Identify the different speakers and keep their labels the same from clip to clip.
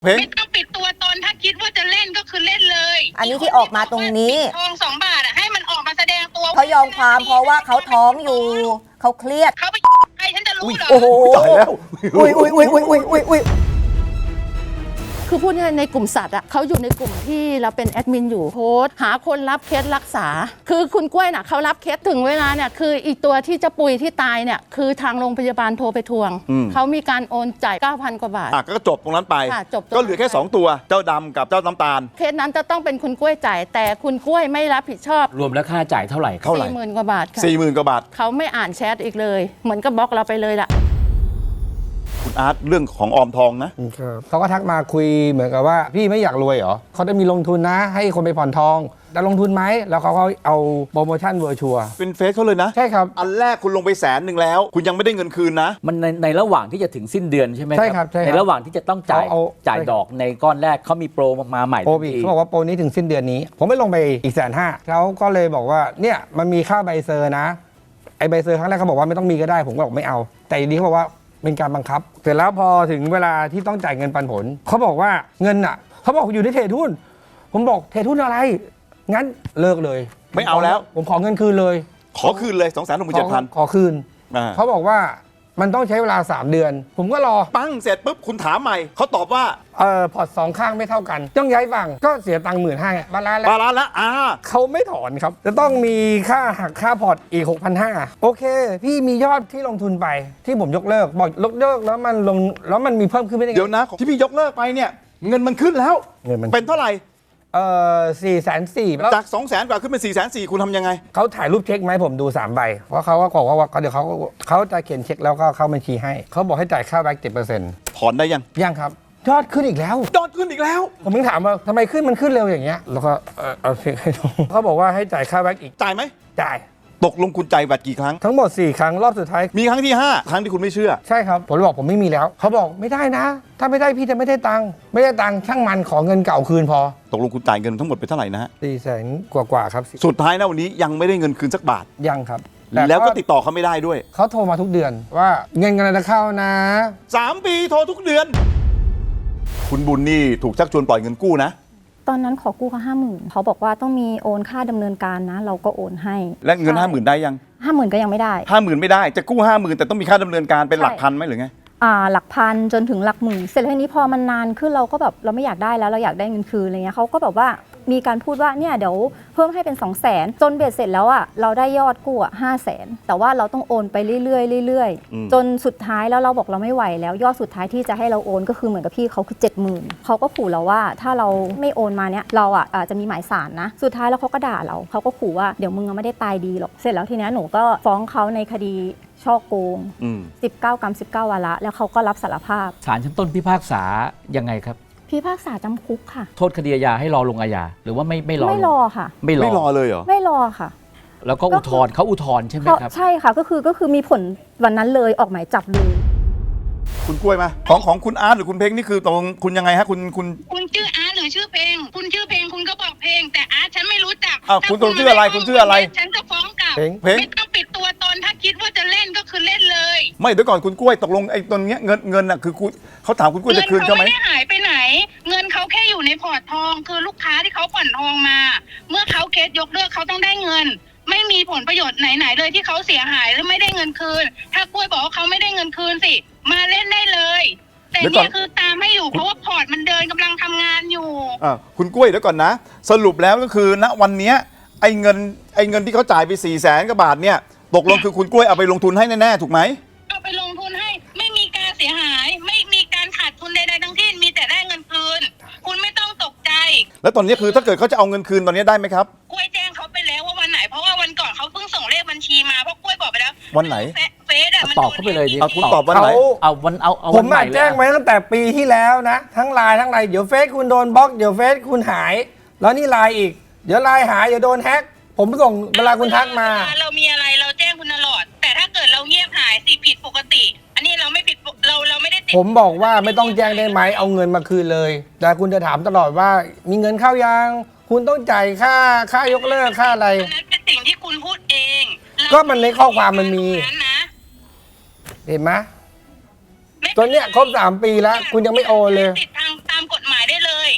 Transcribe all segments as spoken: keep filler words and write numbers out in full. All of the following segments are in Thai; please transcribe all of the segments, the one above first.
Speaker 1: เพลง
Speaker 2: ไม่ต้องปิดตัวตนถ้าคิดว่าจะเล่นก็คือเล่นเลย
Speaker 3: อันนี้ที่ออกมาตรงนี้
Speaker 2: ทองสองบาทอ่ะให้มันออกมาแสดงตัว
Speaker 3: เขายอมความเพราะว่าเขาท้องอยู่เขาเครียด
Speaker 2: เขาไปใครฉันจะรู้เหรอ
Speaker 3: โอ้โห
Speaker 1: ตายแล้ว
Speaker 3: อุ้ยอุ้ยอุ้ยอุ้ยอุ้ยอุ้ยอุ้ย
Speaker 4: คือพูดง่ายๆในกลุ่มสัตว์อ่ะเขาอยู่ในกลุ่มที่เราเป็นแอดมินอยู่โพสต์หาคนรับเคสรักษา คือคุณกล้วยน่ะเขารับเคสถึงเวลาเนี่ยคืออีกตัวที่จะปุยที่ตายเนี่ยคือทางโรงพยาบาลโทรไปทวงเขามีการโอนจ่าย เก้าพัน กว่าบาท
Speaker 1: อ่ะก็จบตรงนั้นไป
Speaker 4: ค่ะจบตรงนั้น
Speaker 1: ก็เหลือแค่สองตัวเจ้าดำกับเจ้าน้ำตาล
Speaker 4: เคสนั้นจะต้องเป็นคุณกล้วยจ่ายแต่คุณกล้วยไม่รับผิดชอบ
Speaker 5: รวมแล้วค่าจ่ายเท่าไหร่ครับ
Speaker 1: เท่าไหร่
Speaker 4: สี่หมื่นกว่าบาทค่ะ
Speaker 1: สี่หมื่นกว่าบาท
Speaker 4: เขาไม่อ่านแชทอีกเลยเหมือนกับบล็อกเราไปเลยล่ะ
Speaker 1: คุณอาร์ตเรื่องของออมทองนะ
Speaker 6: เขาก็ทักมาคุยเหมือนกับว่าพี่ไม่อยากรวยเหรอเขาได้มีลงทุนนะให้คนไปผ่อนทองจะลงทุนไหมแล้วเขาก็เอาโปรโมชั่นเวอร์ชัว
Speaker 1: เป็นเฟซเขาเลยนะ
Speaker 6: ใช่ครับ
Speaker 1: อันแรกคุณลงไปแสนหนึ่งแล้ว คุณยังไม่ได้เงินคืนนะ
Speaker 5: มันในในระหว่างที่จะถึงสิ้นเดือนใช่ไหม
Speaker 6: ใช่ครับใช่ครับ
Speaker 5: ในระหว่างที่จะต้องจ่าย
Speaker 6: เอาเอา
Speaker 5: จ่ายดอกในก้อนแรกเขามีโปรมาใหม่
Speaker 6: โปรอีกเขาบอกว่าโปรนี้ถึงสิ้นเดือนนี้ ผมไม่ลงไปอีกแสนห้าเขาก็เลยบอกว่าเนี่ยมันมีค่าใบเซอร์นะไอใบเซอร์ครั้งแรกเขาบอกว่าไม่ต้องมีก็ได้ผมก็บอกไม่เอาแต่ทีนี้เขาบอกว่าเป็นการบังคับเสร็จแล้วพอถึงเวลาที่ต้องจ่ายเงินปันผลเขาบอกว่าเงินอ่ะเขาบอกอยู่ในเทรดหุ้นผมบอกเทรดหุ้นอะไรงั้นเลิกเลย
Speaker 1: ไม่เอาแล้ว
Speaker 6: ผมขอเงินคืนเลย
Speaker 1: ขอคืนเลย สองแสนหกหมื่นเจ็ดพัน
Speaker 6: ขอคืน
Speaker 1: อ่า
Speaker 6: เขาบอกว่ามันต้องใช้เวลาสามเดือน ผมก็รอ
Speaker 1: ปั้งเสร็จปุ๊บคุณถามใหม่เขาตอบว่า
Speaker 6: เอ่อพอร์ตสองข้างไม่เท่ากัน ต้องย้ายฝั่งก็เสียตังค์หมื่นห้าบาลานซ์แล้ว
Speaker 1: บาลานซ์แล้วอ่า
Speaker 6: เขาไม่ถอนครับ จะต้องมีค่าหักค่าพอร์ตอีก หกพันห้าร้อย โอเค พี่มียอดที่ลงทุนไปที่ผมยกเลิกบอกยกเลิกแล้วมันลงแล้วมันมีเพิ่มขึ้นไม่ได้ไง
Speaker 1: เดี๋ยวนะที่พี่ยกเลิกไปเนี่ยเงินมันขึ้นแล้ว
Speaker 6: เงินมัน
Speaker 1: เป็นเท่าไหร่
Speaker 6: เอ่อสี่แสนสี่แล้ว
Speaker 1: จากสองแสนกว่าขึ้นเป็นสี่แสนสี่คุณทำยังไง
Speaker 6: เขาถ่ายรูปเช็คไหมาให้ผมดูสามใบเพราะเขาก็บอกว่าเดี๋ยวเขาเขาจะเขียนเช็คแล้วก็เข้าบัญชีให้เขาบอกให้จ่ายค่าแบ็กเจ็ดเปอร์เซ็นต์
Speaker 1: ถอนได้ยัง
Speaker 6: ยังครับยอดขึ้นอีกแล้ว
Speaker 1: ยอดขึ้นอีกแล้ว
Speaker 6: ผมเพิ่งถามว่าทำไมขึ้นมันขึ้นเร็วอย่างเงี้ยแล้วก็เอ่อเอาเช็คให้ดูเขาบอกว่าให้จ่ายค่าแบ็กอีก
Speaker 1: จ่ายไหม
Speaker 6: จ่าย
Speaker 1: ตกลงคุณจ่ายบัตรกี่ครั้ง
Speaker 6: ทั้งหมดสี่ครั้งรอบสุดท้าย
Speaker 1: มีครั้งที่ห้าครั้งที่คุณไม่เชื่อ
Speaker 6: ใช่ครับผมเลยบอกผมไม่มีแล้วเขาบอกไม่ได้นะ ถ้าไม่ได้พี่จะไม่ได้ตังค์ไม่ได้ตังค์ช่างมันขอเงินเก่าคืนพอ
Speaker 1: ตกลงคุณจ่ายเงินทั้งหมดไปเท่าไหร่นะฮะ
Speaker 6: สี่แสนกว่ากว่าๆครับ
Speaker 1: สุดท้ายนะวันนี้ยังไม่ได้เงินคืนสักบาท
Speaker 6: ยังครับ
Speaker 1: แล้วก็ติดต่อเขาไม่ได้ด้วย
Speaker 6: เขาโทรมาทุกเดือนว่าเงินกำลังจะเข้านะ
Speaker 1: สามปีโทรทุกเดือน คุณบุญนี่ถูกชักชวนปล่อยเงินกู้นะ
Speaker 7: ตอนนั้นขอกู้เขาห้าหมื่นเขาบอกว่าต้องมีโอนค่าดำเนินการนะ เราก็โอนให้
Speaker 1: และเงินห้าหมื่นได้ยัง
Speaker 7: ห้าหมื่นก็ยังไม่ได้
Speaker 1: ห้าหมื่นไม่ได้จะกู้ห้าหมื่นแต่ต้องมีค่าดำเนินการเป็นหลักพันไหมหรือไง
Speaker 7: อ่าหลักพันจนถึงหลักหมื่นเสร็จแล้วทีนี้พอมันนานขึ้นเราก็แบบเราไม่อยากได้แล้วเราอยากได้เงินคืนอะไรเงี้ยเขาก็แบบว่ามีการพูดว่าเนี่ยเดี๋ยวเพิ่มให้เป็นสองแสนจนเบ็ดเสร็จแล้วอ่ะเราได้ยอดกู้อ่ะห้าแสนแต่ว่าเราต้องโอนไปเรื่อยๆเรื่อย
Speaker 1: อืม
Speaker 7: ๆจนสุดท้ายแล้วเราบอกเราไม่ไหวแล้วยอดสุดท้ายที่จะให้เราโอนก็คือเหมือนกับพี่เขาคือเจ็ดหมื่นเขาก็ขู่เราว่าถ้าเราไม่โอนมาเนี่ยเราอ่ะอาจจะมีหมายสารนะสุดท้ายแล้วเขาก็ด่าเราเขาก็ขู่ว่าเดี๋ยวมึงไม่ได้ตายดีหรอกเสร็จแล้วทีนี้หนูก็ฟ้องเขาในคดีช่อโกง
Speaker 1: อืม
Speaker 7: สิบเก้ากรัมสิบเก้าวาระแล้วเขาก็รับสารภาพ
Speaker 5: ศาลชั้นต้นพิพากษายังไงครับ
Speaker 7: พิพากษาจำคุกค่ะ
Speaker 5: โทษคดีอาญาให้รอลงอาญาหรือว่าไม่ไม่รอ
Speaker 7: ไม่รอค่ะ
Speaker 5: ไม่รอ
Speaker 1: ไม่รอเลยเหรอ
Speaker 7: ไม่รอค่ะ
Speaker 5: แล้วก็อุทธรณ์เขาอุทธรณ์ใช่ไหม
Speaker 7: เขา
Speaker 5: ครับ
Speaker 7: ใช่ค่ะก็คือก็คือมีผลวันนั้นเลยออกหมายจับเลย
Speaker 1: คุณกล้วยมาของของคุณอาร์ตหรือคุณเพ็งนี่คือตรงคุณยังไงฮะคุณคุณ
Speaker 2: คุณชื่ออาร์ตหรือชื่อเพลงคุณชื่อเพลงคุณก็บอกเพลงแต่อาร์ตฉันไม่รู้จัก
Speaker 1: อ้าวคุณคุณชื่ออะไรคุณชื่ออะไร
Speaker 2: ฉันจะฟ้องกลับ
Speaker 6: เพลง
Speaker 1: เพลง
Speaker 2: ไม่ต้องปิดตัวตนถ้าคิดว่าจะเล่นก็คือเล่นเลย
Speaker 1: ไม่เดี๋ยวก่อนคุณกล้วยตกลงไอ้ตรงเนี้ยเงินเงินน่ะคือคุณเขาถามคุณกล้วยจะคืนเขาไหม
Speaker 2: ไม่ได้หายไปไหน เงินเขาแค่อยู่ในพอร์ตทอง คือลูกค้าที่เขาผ่อนทองมา เมื่อเขาเคสยกเลิกเขาต้องได้เงิน ไม่มีผลประโยชน์ไหนๆเลยที่เขาเสียหายหรือไม่ได้เงินคืน ถ้ากล้วยบอกว่าเขาไม่ได้เงินคืนสิมาเล่นได้เลย แต่
Speaker 1: เดี๋ยวก่อน
Speaker 2: เนี่ยคือตามให้อยู่เพราะว่าพอร์ตมันเดินกำลังทำงานอยู่
Speaker 1: อ่าคุณกล้วยเดี๋ยวก่อนนะ สรุปแล้วก็คือณวันเนี้ยไอ้เงินไอ้เงินที่เขาจ่ายไปสี่แสนกว่าบาทเนี่ยตกลงคือคุณกล้วยเอาไปลงทุนให้แน่ๆถูกไหม
Speaker 2: เอาไปลงทุนให้ไม่มีการเสียหาย ไม่มีการขาดทุนใดๆทั้งสิ้นมีแต่ได้เงินคืน คุณไม่ต้องตกใจ
Speaker 1: แล้วตอนนี้คือถ้าเกิดเขาจะเอาเงินคืนตอนนี้ได้ไหมครับ
Speaker 2: กล้วยแจ้งเขาไปแล้วว่าวันไหนเพราะว่าวันก่อนเขาเพิ่งส่งเลขบัญชีมาเพราะกล้วยบอกไปแล้ว
Speaker 1: วันไหน
Speaker 2: เฟเฟซอะมัน
Speaker 5: ตอบเข้าไปเลยดิ
Speaker 1: เอาคุณตอบวันไหน
Speaker 6: เขา
Speaker 5: เอาวันเอาเอา
Speaker 6: ผ
Speaker 5: วัน
Speaker 6: ม
Speaker 5: ใหม่
Speaker 6: มา
Speaker 5: เลย
Speaker 6: แจ้งไว้ตั้งแต่ปีที่แล้วนะ ทั้งไลน์ทั้งไลน์เดี๋ยวเฟซคุณโดนบล็อกเดี๋ยวเฟซคุณหาย แล้วนี่ไลน์อีก เดี๋ยวไลน์หายเดี๋ยวโดนแฮ็กผมส่งเวลาคุณทักมา
Speaker 2: เวลเรามีอะไรเราแจ้งคุณตลอด แต่ถ้าเกิดเราเงียบหายสิผิดปกติ อันนี้เราไม่ผิดปกเราเราไม่ได้ติด
Speaker 6: ผมบอกว่าไม่ต้องแจ้งได้ไหมเอาเงินมาคืนเลย แต่คุณจะถามตลอดว่ามีเงินเข้ายังคุณต้องจ่ายค่าค่ายกเลิกค่าอะไร
Speaker 2: อันนั้นเป็นสิ่งที่คุณพูดเองเรา
Speaker 6: ก็มันในข้อความมันมี
Speaker 2: ตรงนั้นนะ
Speaker 6: เห็นไหม
Speaker 2: ไม่
Speaker 6: ตอนเนี้ยครบสามปีแล้วคุณยังไม่โอนเลย
Speaker 2: ติดทางตามกฎ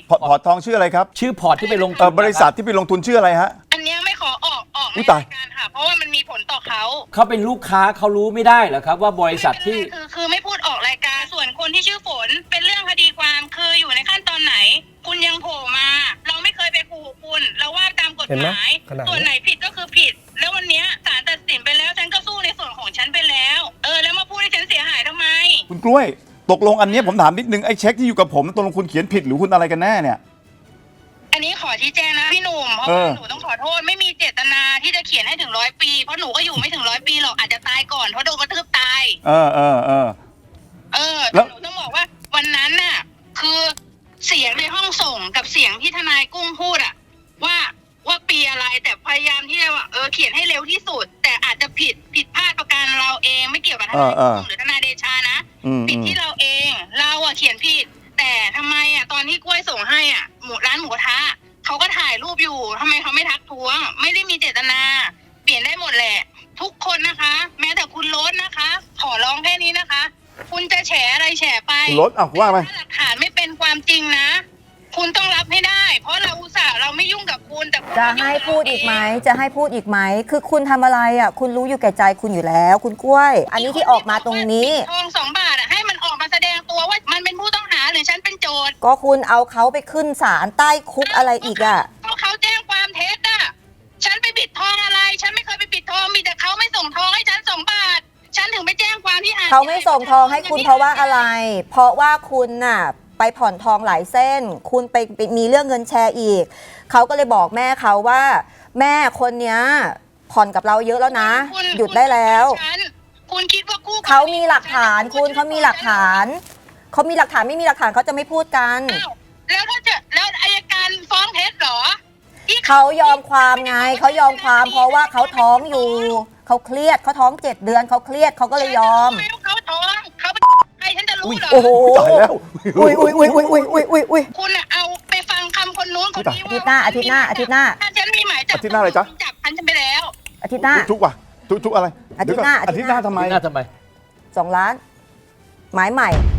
Speaker 1: พอร์ตพอร์ตทองชื่ออะไรครับ
Speaker 5: ชื่อพอร์ตที่ไปลง
Speaker 1: เออบริษัทที่ไปลงทุนชื่ออะไรฮะ
Speaker 2: อันเนี้ยไม่ขอออกออก
Speaker 1: อุ๊
Speaker 2: ใน
Speaker 1: ยตาย
Speaker 2: รายการค่ะ เพราะว่ามันมีผลต่อเขา
Speaker 5: เขาเป็นลูกค้าเขารู้ไม่ได้เหรอครับว่าบริษัทที่
Speaker 2: ไม่เป็นไรคือคือไม่พูดออกรายการส่วนคนที่ชื่อฝนเป็นเรื่องคดีความคืออยู่ในขั้นตอนไหน คุณยังโผล่มา เราไม่เคยไปขู่คุณ เราว่าตามกฎ
Speaker 6: เห็นไห
Speaker 2: ห
Speaker 6: ม
Speaker 2: มาย
Speaker 6: ขนาดนี้
Speaker 2: ส่วนไหนผิดก็คือผิด แล้ววันเนี้ยศาลตัดสินไปแล้วฉันก็สู้ในส่วนของฉันไปแล้ว เออแล้วมาพูดให้ฉันเสียหายทำไม
Speaker 1: คุณกล้วยตกลงอันเนี้ยผมถามนิดนึงไอ้เช็คที่อยู่กับผมตกลงคุณเขียนผิดหรือคุณอะไรกันแน่เนี่ย
Speaker 2: อันนี้ขอชี้แจงนะพี่หนุ่มเพราะ
Speaker 1: เอ
Speaker 2: ว่า
Speaker 1: อ
Speaker 2: หนูต้องขอโทษไม่มีเจตนาที่จะเขียนให้ถึงร้อยปีเพราะหนูก็อยู่ไม่ถึงร้อยปีหรอกอาจจะตายก่อนเพราะโดนกระทืบตาย
Speaker 1: เออเออเออ
Speaker 2: เออ
Speaker 1: แล้
Speaker 2: แต่
Speaker 1: ว
Speaker 2: หนูต้องบอกว่าวันนั้นน่ะ คือเสียงในห้องส่งกับเสียงที่ทนายกุ้งพูดอะว่าว่าปีอะไรแต่พยายามที่จะว่าเออเขียนให้เร็วที่สุด แต่อาจจะผิดผิดพลาดประการเราเองไม่เกี่ยวกับทนายกุ้งหรือทนายเดชานะ
Speaker 1: อืม
Speaker 2: ผิด
Speaker 1: อืม
Speaker 2: ที่เราเองเราอะเขียนผิด แต่ทำไมอะตอนที่กล้วยส่งให้อะหมูร้านหมูกระทะเขาก็ถ่ายรูปอยู่ทำไมเขาไม่ทักท้วง ไม่ได้มีเจตนา เปลี่ยนได้หมดแหละ ทุกคนนะคะ แม้แต่คุณโรสนะคะ ขอร้องแค่นี้นะคะ คุณจะแฉอะไรแฉไป
Speaker 1: คุณโรสอ่ะว่าไป
Speaker 2: ถ้าหลักฐานไม่เป็นความจริงนะ คุณต้องรับให้ได้ เพราะเราอุตส่าห์เราไม่ยุ่งกับคุณแต่คุณ
Speaker 3: จะ
Speaker 2: มายุ่ง
Speaker 3: ให้
Speaker 2: กับ
Speaker 3: พูดอีกไหม
Speaker 2: เราเง
Speaker 3: จะให้พูดอีกไหม คือคุณทำอะไรอ่ะ คุณรู้อยู่แก่ใจคุณอยู่แล้ว คุณกล้วย อันนี้ที่ออกมาตรงนี้
Speaker 2: ปิดทองสองบาทอะให้มันออกมาแสดงตัวว่ามันเป็นผู้ต้องหาหรือฉันเป็นโจทย์
Speaker 3: ก็คุณเอาเขาไปขึ้นศาลใต้คุกอะไรอีกอ่ะ
Speaker 2: เพราะเขาแจ้งความเท็จอะฉันไปปิดทองอะไร ฉันไม่เคยไปปิดทองมีแต่เขาไม่ส่งทองให้ฉันสองบาท ฉันถึงไปแจ้งความที่หาด
Speaker 3: เขาไม่ส่งทองให้คุณเพราะว่าอะไร เพราะว่าคุณน่ะไปผ่อนทองหลายเส้น คุณไปไปมีเรื่องเงินแชร์อีก เขาก็เลยบอกแม่เขาว่า แม่คนเนี้ยผ่อนกับเราเยอะแล้วนะ
Speaker 2: คุณ
Speaker 3: หยุดได้แล้ว
Speaker 2: ฉันคุณคิดว่ากู้
Speaker 3: เขามีหลักฐานคุณเขามีหลักฐาน เขามีหลักฐานไม่มีหลักฐานเขาจะไม่พูดกัน
Speaker 2: อ้าวแล้วถ้าจะแล้วอายการฟ้องเท็จเหรอที่
Speaker 3: เขายอมความไงเขายอมความเพราะว่าเขาท้องอยู่ เขาเครียดเขาท้องเจ็ดเดือนเขาเครียดเขาก็เลยยอม
Speaker 2: ฉันรู้ไหเขาท้องเขาเป็นใครฉันจะรู้เหรอ
Speaker 3: โอ้โห
Speaker 1: ตายแล้ว
Speaker 3: อุ้ยอุ้ยอุ้ยอุ้ยอุ้ยอุ้ยอุ้ยอุ้ย
Speaker 2: คุณอะเอาไปฟังคำคนนู้นคนนี้
Speaker 3: อาทิตย์หน้าอาทิตย์หน้าอาทิตย์หน้า
Speaker 2: ถ้าฉันมีหมายจับ
Speaker 1: อาทิตย์หน้าอะไรจ๊ะ
Speaker 2: จับฉันไปแล้ว
Speaker 3: อาทิตย์หน้า
Speaker 1: ทุกว่ะทุกทุกอะไร
Speaker 3: อาทิตย์หน้า
Speaker 1: เดี๋วก่อาทิตย์หน้าทำไม
Speaker 5: หน้าทำไม
Speaker 3: สองล้าน หมายใหม่